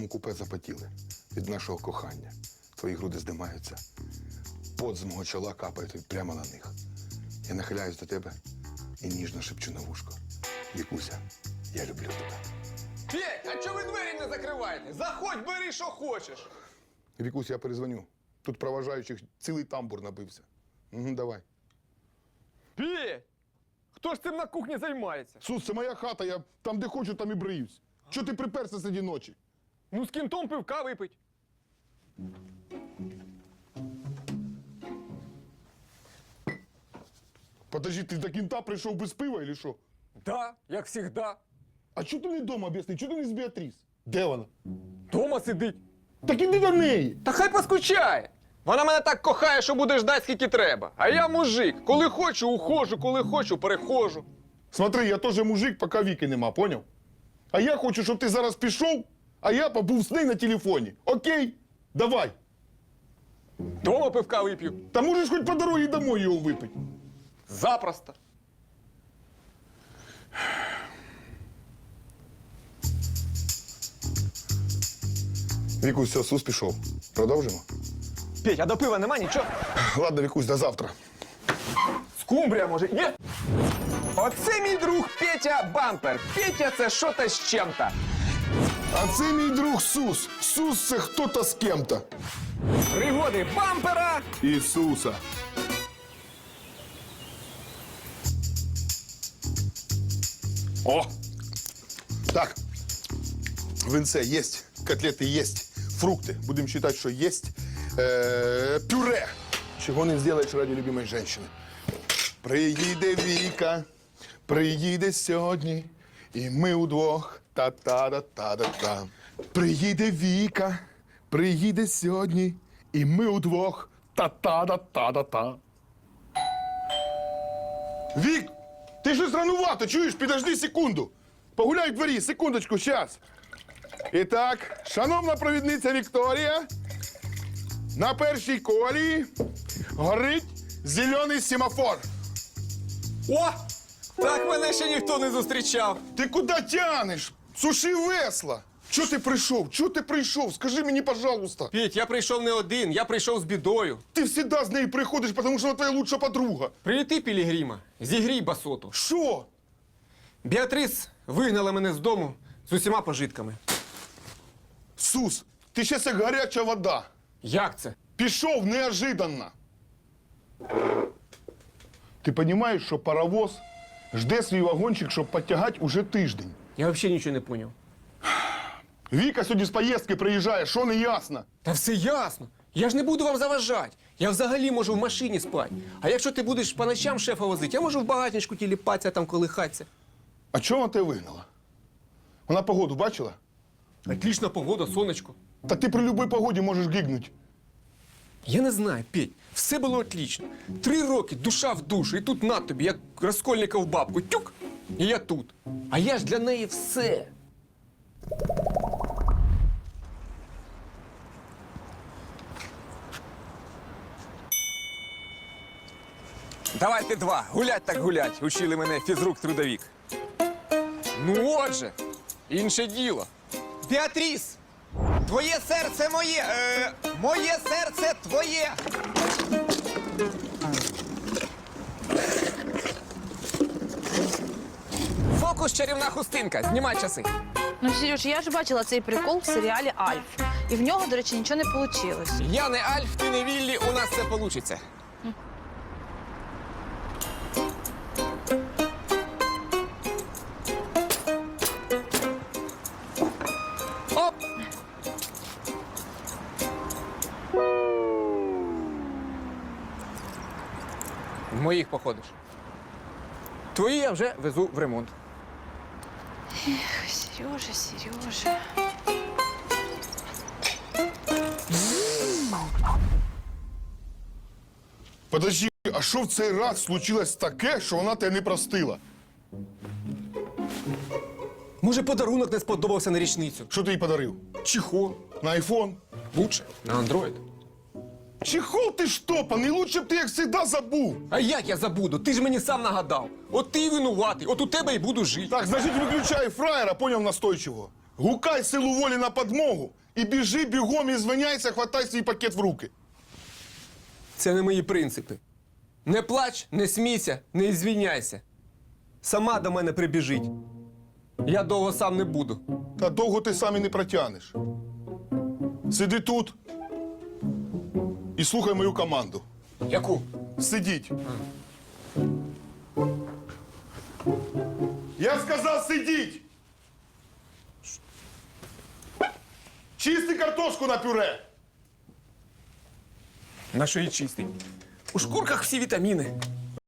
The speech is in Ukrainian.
моєму купе запотіли від нашого кохання. Твої груди здимаються. Пот з мого чола капає тобі прямо на них. Я нахиляюсь до тебе і ніжно шепчу на вушко. Вікуся, я люблю тебе. Петь, а чого ви двері не закриваєте? Заходь, бери, що хочеш. Вікусь, я перезвоню. Тут проважаючих цілий тамбур набився. Угу, давай. Петь! Хто ж цим на кухні займається? Сус, це моя хата, я там, де хочу, там і бриюсь. Чого ти приперся серед ночі? Ну з кінтом пивка випить. Подожди, ти до кінта прийшов без пива, или що? Да, як завжди. А чого ти не вдома, об'ясни? Чого ти не з Біатріс? Де вона? Дома сидить. Так іди до неї. Та хай поскучає. Вона мене так кохає, що буде ждать, скільки треба. А я мужик. Коли хочу, ухожу, коли хочу, перехожу. Смотри, я теж мужик, поки Віки нема, поняв? А я хочу, щоб ти зараз пішов, а я побув з нею на телефоні. Окей? Давай. Дома пивка вип'ю. Та можеш хоч по дорозі домой його випити. Запросто. Вікусь, все, Сус пішов. Продовжимо? Петь, а до пива нема нічого? Ладно, Вікусь, до завтра. Скумбрія, може, є? Оце мій друг Петя Бампер. Петя – це що-то з чим-то. А це мій друг Сус. Сус – це хто-то з кем-то. Пригоди Бампера. Ісуса. О! Так. Винце есть, котлети есть, фрукти. Будемо вважати, що есть. Пюре. Чого не зробиш ради любимої жінки. Приїде Віка, приїде сьогодні, і ми удвох та-та-да-та-да-та. Приїде Віка, приїде сьогодні, і ми удвох та-та-да-та-да-та. Вік, ти щось ранувато, чуєш? Підожди секунду. Погуляй в дворі, секундочку, щас. І так, шановна провідниця Вікторія, на першій колії горить зелений семафор. О! Так мене ще ніхто не зустрічав. Ти куди тянеш? Суши весла. Чого ти прийшов? Чого ти прийшов? Скажи мені, пожалуйста. Петь, я прийшов не один, я прийшов з бідою. Ти завжди з нею приходиш, тому що вона твоя лучша подруга. Прилети, Пілігрима, зігрій басоту. Що? Біатрис вигнала мене з дому з усіма пожитками. Сус, ти ще як гаряча вода. Як це? Пішов неожиданно. Ти розумієш, що паровоз жде свій вагончик, щоб підтягати уже тиждень. Я взагалі нічого не зрозумів. Віка сьогодні з поїздки приїжджає, що не ясно? Та все ясно. Я ж не буду вам заважати. Я взагалі можу в машині спати. А якщо ти будеш по ночам шефа возити, я можу в багатничку тіліпатися, там колихатися. А чого вона тебе вигнала? Вона погоду бачила? Отлічна погода, сонечко. Та ти при будь-якій погоді можеш гигнути. Я не знаю, Петь, все було отлично. 3 роки, душа в душу, і тут на тобі, як Раскольников бабку, тюк, і я тут. А я ж для неї все. Давайте 2, гулять так гулять, учили мене фізрук-трудовік. Ну отже, інше діло. Біатріс, твоє серце моє, моє серце твоє. Фокус чарівна хустинка, знімай часи. Ну, Сереж, я ж бачила цей прикол в серіалі «Альф». І в нього, до речі, нічого не вийшло. Я не Альф, ти не Віллі, у нас все получиться. Оп! В моїх походиш. Твої я вже везу в ремонт. Сережа, Сережа. Подожди, а що в цей раз случилось таке, що вона тебе не простила? Може, подарунок не сподобався на річницю? Що ти їй подарив? Чехол. На айфон? Лучше. На Андроїд. Чехол ти штопаний, лучше б ти, як завжди, забув. А як я забуду? Ти ж мені сам нагадав. От ти й винуватий, от у тебе й буду жити. Так, значить, виключай фраєра, поняв настойчиво. Гукай силу волі на подмогу і біжи бігом і звиняйся, хватай свій пакет в руки. Це не мої принципи. Не плач, не смійся, не ізвіняйся. Сама до мене прибіжить. Я довго сам не буду. Та довго ти сам і не протягнеш. Сиди тут і слухай мою команду. Яку? Сидіть. Я сказав сидіть! Чисти картошку на пюре! На що її чистий? У шкурках всі вітаміни.